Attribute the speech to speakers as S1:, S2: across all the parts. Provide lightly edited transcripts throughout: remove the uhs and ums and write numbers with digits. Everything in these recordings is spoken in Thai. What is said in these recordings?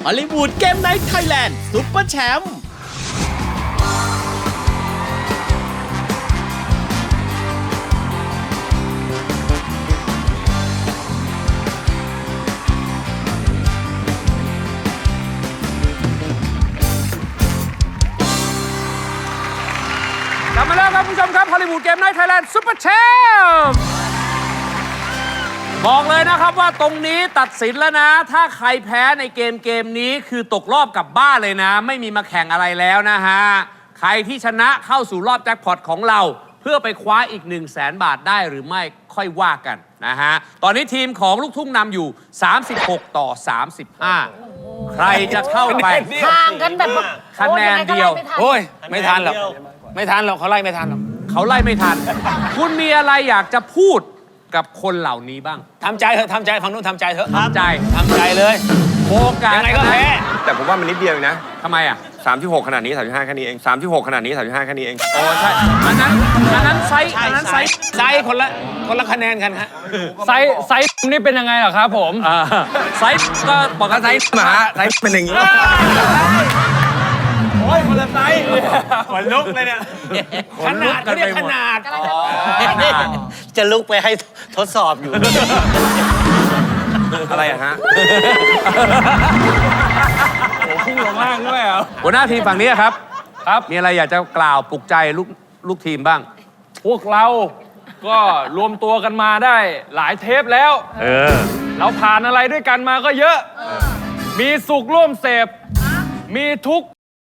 S1: ฮอลลีวูดเกมไนท์ไทยแลนด์ซุปเปอร์แชมป์
S2: กลับมาแล้วครับคุณผู้ชมครับฮอลลีวูดเกมไนท์ไทยแลนด์ซุปเปอร์แชมป์บอกเลยนะครับว่าตรงนี้ตัดสินแล้วนะถ้าใครแพ้ในเกมนี้คือตกรอบกลับบ้านเลยนะไม่มีมาแข่งอะไรแล้วนะฮะใครที่ชนะเข้าสู่รอบแจ็คพอตของเราเพื่อไปคว้าอีก 100,000 บาทได้หรือไม่ค่อยว่ากันนะฮะตอนนี้ทีมของลูกทุ่งนำอยู่36 ต่อ 35ใครจะเข้าไป
S3: ห่างกันแบบ
S2: คะแนนเดียว
S4: โอ้ยไม่ทันหรอกไม่ทันหรอกเขาไล่ไม่ทันหรอก
S2: เขาไล่ไม่ทัน คุณมีอะไรอยากจะพูดกับคนเหล่านี้บ้าง
S4: ทำใจเถอะทำใจฝั่งนู้นทำใจเถอะ
S2: ทำใจ
S4: ทำใจเลย
S2: โอกาส
S4: ยังไงก็แพ้
S5: แต่ผมว่ามันนิดเดียวเองนะ
S2: ทำไมอ่ะ
S5: 36 ขนาดนี้ 35 แค่นี้เอง 36 ขนาดนี้ 35 แค่นี้เอง
S2: โอ้ใช่อันนั้นไซส์อันนั้นไซส์
S4: ไซส์คนละคะแนนกันฮะ
S6: ไซส์นี่เป็นยังไงเหรอครับผม
S2: ไซส์ก็ปก
S5: ไซ
S2: ติ
S5: ส์หมาไซส์เป็นอย่างนี้
S4: โอ้ยคนละไซส์ขนลุกเลยเนี่ยขนาดเขาเรียกขนาด
S3: จะลุกไปให้ทดสอบอยู่
S5: อะไรอะฮะ
S6: พุ่งลงล่างด้วยเหรอ
S2: หัวหน้าทีมฝั่งนี้ครับ
S6: ครับ
S2: มีอะไรอยากจะกล่าวปลุกใจลูกทีมบ้าง
S6: พวกเราก็รวมตัวกันมาได้หลายเทปแล้ว เราผ่านอะไรด้วยกันมาก็เยอะ มีสุขร่วมเสพ มีทุกข์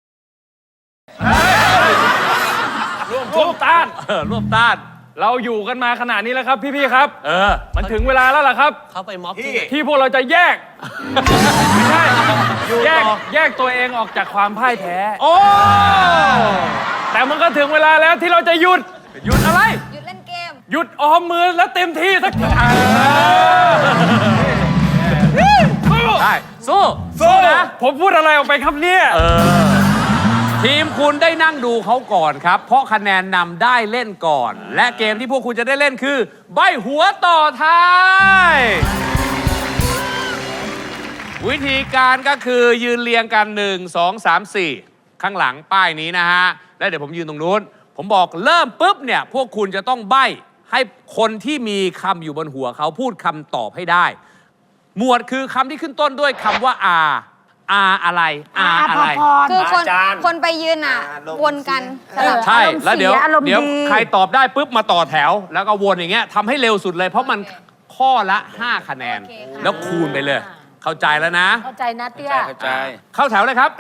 S6: ร่วมต้าน
S2: ร่วมต้าน
S6: เราอยู่กันมาขนาดนี้แล้วครับพี่ๆครับ มันถึงเวลาแล้วล่ะครับ
S3: เขาไปม็อบที่ไหน
S6: ที่พวกเราจะแยก ไม่ใช่แยกตัวเองออกจากความพ่ายแพ้
S2: โอ้
S6: แต่มันก็ถึงเวลาแล้วที่เราจะหยุดอะไร
S7: หยุดเล่นเกม
S6: หยุดออมมือแล้วเต็มที่สักที
S2: ได้สู้นะ
S6: ผมพูดอะไรออกไปครับเนี่ย
S2: ทีมคุณได้นั่งดูเขาก่อนครับ เพราะคะแนนนำได้เล่นก่อน และเกมที่พวกคุณจะได้เล่นคือใบหัวต่อท้าย วิธีการก็คือยืนเรียงกัน 1 2 3 4 ข้างหลังป้ายนี้นะฮะ แล้วเดี๋ยวผมยืนตรงนู้น ผมบอกเริ่มปุ๊บเนี่ย พวกคุณจะต้องใบ้ให้คนที่มีคำอยู่บนหัวเขาพูดคำตอบให้ได้ หมวดคือคำที่ขึ้นต้นด้วยคำว่า R อะไร R อะไร
S7: คือคนไปยืนอ่ะ วนกันสลับ
S2: ใช่ แล้วเดี๋ยว
S3: อารมณ์เสียอารมณ์ดี
S2: ใครตอบได้ปุ๊บมาต่อแถว แล้วก็วนอย่างเงี้ยทำให้เร็วสุดเลย เพราะมันข้อละ 5 คะแนน แล้วคูณไปเลย เข้าใจแล้วนะ
S3: เข้าใจนะเตี้ย
S4: เข้าใจ
S2: เข้าแถวเลยครับ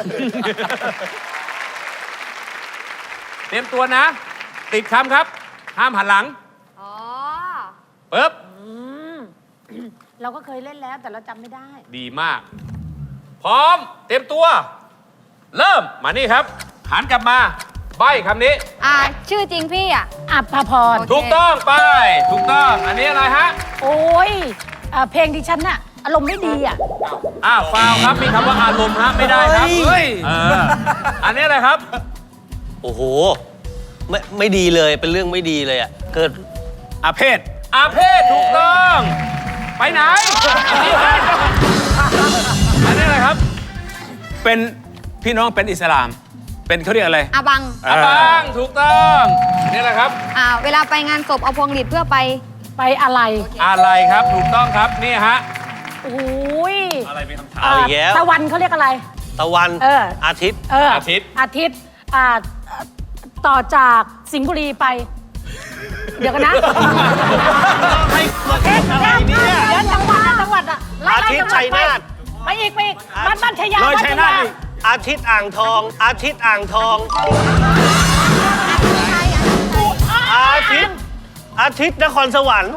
S2: เตรียมตัวนะ ติดคำครับ ห้ามหันหลัง
S7: อ๋อ
S2: ปึ๊บ
S3: เราก็เคยเล่นแล้วแต่เราจำไม่ได้
S2: ดีมาก พร้อม เตรียมตัว เริ่ม มานี่ครับ หันกลับมา ใบคำนี้
S7: ชื่อจริงพี่อ่ะ
S3: อัภพร
S7: โอเค
S2: ถูกต้องไป ถูกต้อง อันนี้อะไรฮะ
S3: โอ้ยเพลงดิฉันน่ะ อารมณ์ไม่ดีอ่ะ
S2: ฟาวครับ มีคำว่าอารมณ์ฮะ ไม่ได้ครับ
S3: เฮ้ย
S2: อันนี้อะไรครับ
S8: โอ้โห ไม่ดีเลยเป็นเรื่องไม่ดีเลยอ่ะเกิด
S4: อาเพศ
S2: อาเพศถูกต้อง ไปไหน อันนี้อะไรครับ
S4: เป็นพี่น้องเป็นอิสลาม เป็นเขาเรียกอะไร
S7: อาบัง
S2: อาบังถูกต้องนี่แหละครับ
S7: เวลาไปงานศพเอาพวงหลีดเพื่อไป
S3: ไปอะไร
S2: อะไรครับถูกต้องครับนี่ฮะ
S3: โอ้ย
S2: อะไรเป็นคำถาม
S8: เอาอีกแล้ว
S3: ตะวันเขาเรียกอะไร
S8: ตะวัน อาทิตย์
S2: อาทิตย์
S3: อาทิตย์ต่อจากสิงห์บุรีไป เดี๋ยวกันนะเดี๋ยวจังหวัดอ่ะไล่
S8: อาทิตย์
S3: จังหวัด
S8: ชัยนาท
S3: ไปอีกบ้านชัยยา
S4: เลยชัยนาทอีก
S8: อาทิตย์อ่างทอง อาทิตย์อ่างทอง อาทิตย์นครสวรรค์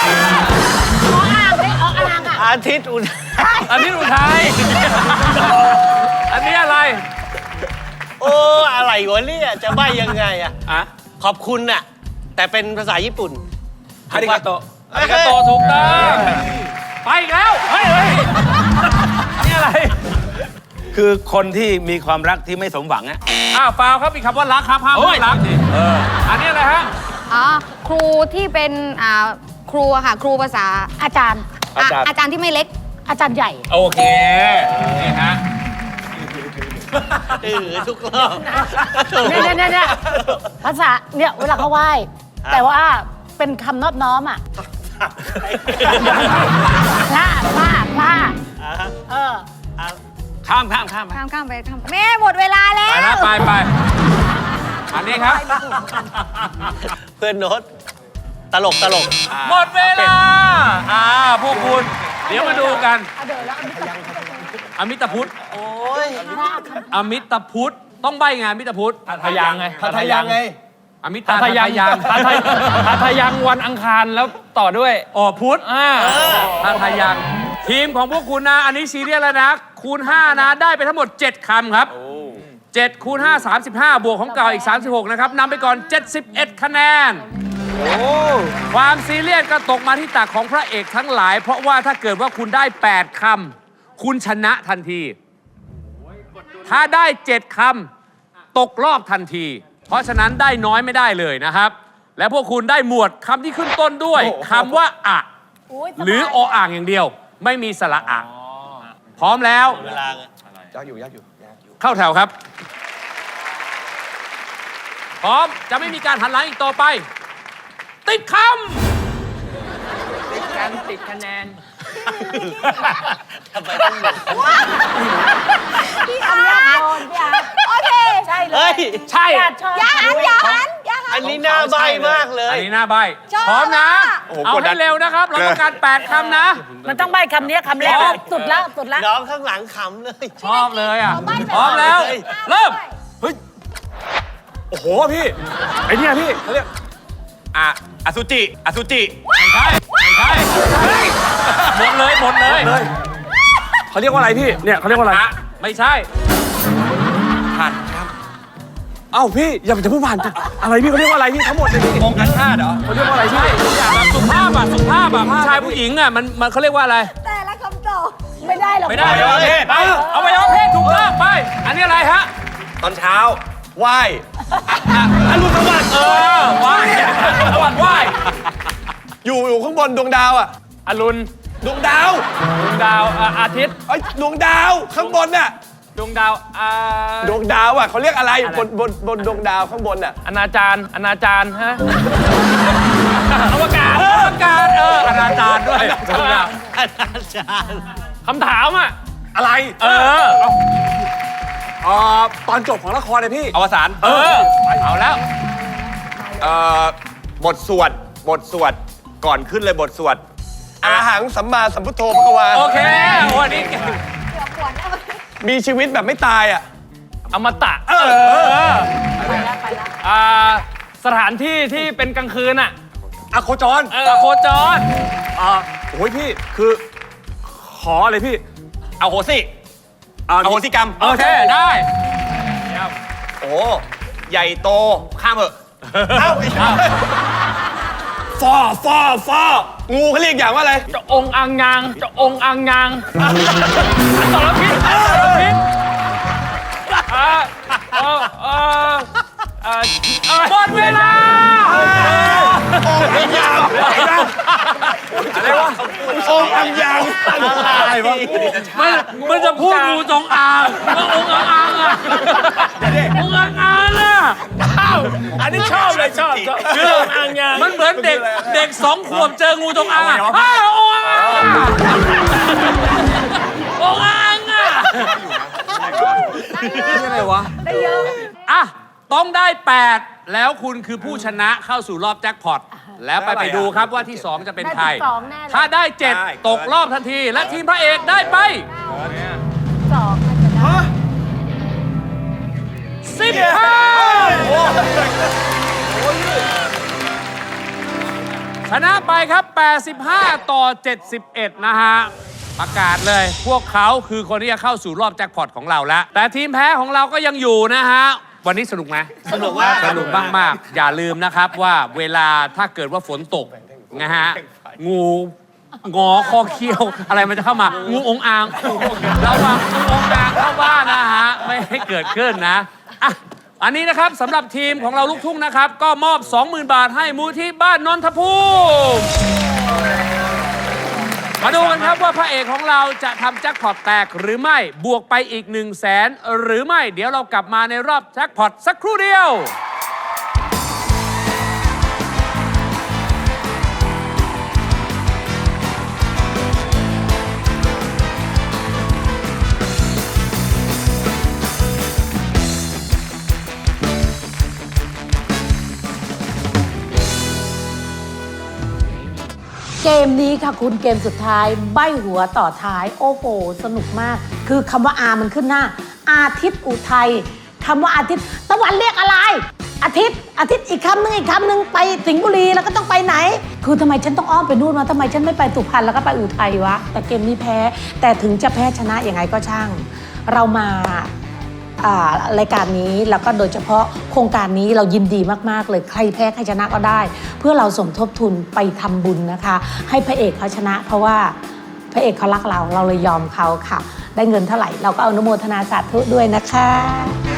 S8: อาทิตย์อุทัย
S2: อันนี้อุทัยอันนี้อะไร
S8: โอ้อะไรวะเนี่ยจะใบ้ยังไงอ่ะ
S4: อะ
S8: ขอบคุณน่ะแต่เป็นภาษาญี่ปุ่น
S4: ฮาริกาโตะ
S2: อาริกาโตถูกต้องไปอีกแล้วเฮ้ยนี่อะไร
S4: คือคนที่มีความรักที่ไม่สมหวังอะ
S2: ฟาวครับมีคำว่ารักครับห้ามพูดรักอันนี้อะไรฮะ
S7: ครูที่เป็นครูอะค่ะ ครูภาษา
S3: อาจารย์
S7: อาจารย์ที่ไม่เล็ก
S3: อาจารย์ใหญ่
S2: โอเคนี่ฮ
S8: ทุกรอบ
S3: เนี่ยภาษาเนี่ยเวลาเขาไหว้แต่ว่าเป็นคำนอบน้อมอ่ะพลาเออ
S6: ข้าม
S7: ข้ามไปแม่หมดเวลาแล้
S2: ไป
S7: ว
S2: แล้วไปอันนี้ครับ
S8: เพื่อนโน้ตตลก
S2: หมดเวลาพวกคุณ เดี๋ยวมาดูกัน
S3: เดี๋ยวแล้ว
S2: อมิตพุทธ
S8: โอ้ย
S2: อมิตพุทธต้องใบงานอมิตพุทธ
S6: ทะยังไง
S5: ทะยังไง
S2: อมิต
S6: ทะยัง ทะยังวันอังคารแล้วต่อด้วย
S2: อ๋อพุทธทะยังทีมของพวกคุณนะ อันนี้ซีเรียสแล้วนะ คูณ 5 นะ ได้ไปทั้งหมด 7 คำครับ7 คูณ 5 35 บวกของเก่าอีก 36 นะครับนำไปก่อน 71 คะแนน ความซีเรียสก็ตกมาที่ตักของพระเอกทั้งหลาย เพราะว่าถ้าเกิดว่าคุณได้ 8 คำคุณชนะทันที ถ้าได้ 7 คำตกรอบทันที เพราะฉะนั้นได้น้อยไม่ได้เลยนะครับ และพวกคุณได้หมวดคำที่ขึ้นต้นด้วยคำว่าอะหรือออ่างอย่างเดียว ไม่มีสระอะพร้อมแล้ว
S8: เวลาไง
S5: ยากอยู่
S2: เข้าแถวครับ พร้อมจะไม่มีการหันหลังอีกต่อไป ติดค
S6: ติดคะแนน
S8: ทำไมต้องหมด
S7: พี่อาร์โอเค
S3: ใช่เล
S8: เฮ้
S3: ย
S8: ย
S2: ำใช่
S7: อย่าหัน
S8: อันนี้หน้าใบมากเลย
S2: อันนี้หน้าใบ
S7: ชอบ
S2: พร้อมนะ
S5: โอ้โห
S2: เอา
S5: กดดั
S2: ให้
S5: น
S2: เร็วนะครับ เราต้องการ 8 คำนะ
S3: มันต้องใบคำนี้คำแรกสุดละ
S8: น้องข้างหลังขำเลย
S2: ชอบเลยอ่ะ พร้อมแล้ว เริ่ม
S5: โอ้โหพี่ไอเนี่ยพี่เขาเรียกอสุจิอสุจิ
S2: ไม่ใช่หมดเลย
S5: เขาเรียกว่าอะไรพี่เนี่ยเขาเรียกว่าอะไร
S2: ไม่ใช่
S5: ผ่านครับเอ้าพี่อย่าพูดผ่านอะไรพี่เขาเรียกว่าอะไรพี่ทั้งหมดเลยพี่มงกันชาติเหรอเขาเรียกว่าอะไรพี่
S2: ทุกอย่างแบบสุภาพผู้ชายผู้หญิงอ่ะมันเขาเรียกว่าอะไร
S7: แต่ละคำตอบ
S3: ไม่ได้หรอก
S2: ไม่ได้อวัยวะเพศไปอวัยวะเพศถูกต้องไป อันนี้อะไรฮะ
S5: ตอนเช้าไหว้อรุณสวัสดิ์
S2: ไหว้สวัสดิ์ไหว้
S5: อยู่ข้างบนดวงดาวอ่ะ
S6: อรุณ
S5: ดวงดาว
S6: ดวงดาวอาทิตย์
S5: ไอ้ยดวงดาวข้างบนน่ะ
S6: ดวงดาว
S5: ดวงดาวอ่ะเขาเรียกอะไรบนดวงดาวข้างบนน่ะ
S6: อนาจารฮะ
S2: อวกาศอนาจารด้วย
S6: คำถามอ่ะ
S5: อะไร ตอนจบของละครเลยพี่อวสาน
S2: เอาแล้ว
S5: บทสวดก่อนขึ้นเลยบทสวดอาหังสัมมาสัมพุทโธพระกวา
S2: โอเควันนี้
S5: มีชีวิตแบบไม่ตายอ่ะ
S6: อมตะสถานที่ที่เป็นกลางคืนอ่ะ
S5: อโคจร
S2: โคจร
S5: โอ้ยพี่คือขออะไรพี่เอาโหสิเอาโหสิกรรม
S2: โอเคได้
S5: โอ้ใหญ่โตข้ามเหอะเอ้าฟองูเขาเรียกอย่างว่าอะไร
S6: จะองค์อังยางต่อแล้วพิษ
S2: หมดเวลา
S5: อะไรวะองอังยางอะไรวะ
S2: มันจะพูดงูจงอางก็องค์อ่างอ่ะองค์อ่างอ่ะ
S5: อันนี้ชอบเลยชอบ
S2: คือมันเหมือนเด็ก2 ขวบเจองูจงอางอ่ะองค์อ่างองค์อ่างอ่ะนี่อะไรวะได้เยอะอ่ะต้องได้ 8 แล้วคุณคือผู้ชนะเข้าสู่รอบแจ็คพอตแล้วไปดูครับว่าที่ 2 จะเป็นใคร ถ้าได้ 7 ตกรอบทันที และทีมพระเอกได้ไป 15 ชนะไปครับ 85 ต่อ 71 นะฮะ ประกาศเลย พวกเขาคือคนที่จะเข้าสู่รอบแจ็คพอตของเราแล้ว แต่ทีมแพ้ของเราก็ยังอยู่นะฮะ วันนี้สนุกไหม
S8: สนุกมาก
S2: สนุกมากๆอย่าลืมนะครับว่าเวลาถ้าเกิดว่าฝนตกนะฮะ งูงอคอเคี้ยวอะไรมันจะเข้ามา งูองอ่างระวังงูองอ่างเข้าบ้านนะฮะ ไม่ให้เกิดขึ้นนะอ่ะอันนี้นะครับสำหรับทีมของเราลูกทุ่งนะครับ ก็มอบ 20,000 บาทให้มูลที่บ้านนนทภูมิมาดูกันครับว่าพระเอกของเราจะทำแจ็คพอตแตกหรือไม่บวกไปอีก 100,000 หรือไม่เดี๋ยวเรากลับมาในรอบแจ็คพอตสักครู่เดียว
S3: เกมนี้ค่ะคุณเกมสุดท้ายใบ้หัวต่อท้ายโอ้โหสนุกมาก คือคำว่าอามันขึ้นหน้า อาทิตย์อุทัยคำว่าอาทิตย์ตะวันเรียกอะไร อาทิตย์อีกคำหนึ่งไปสิงห์บุรีแล้วก็ต้องไปไหน คือทำไมฉันต้องอ้อมไปนู่นมาทำไมฉันไม่ไปสุพรรณแล้วก็ไปอุทัยวะแต่เกมนี้แพ้แต่ถึงจะแพ้ชนะยังไงก็ช่าง เรามารายการนี้แล้วก็โดยเฉพาะโครงการนี้เรายินดีมากๆเลยใครแพ้ใครชนะก็ได้ เพื่อเราสมทบทุนไปทำบุญนะคะ ให้พระเอกเขาชนะ เพราะว่าพระเอกเขารักเราเลยยอมเขาค่ะ ได้เงินเท่าไหร่เราก็อนุโมทนาสาธุด้วยนะคะ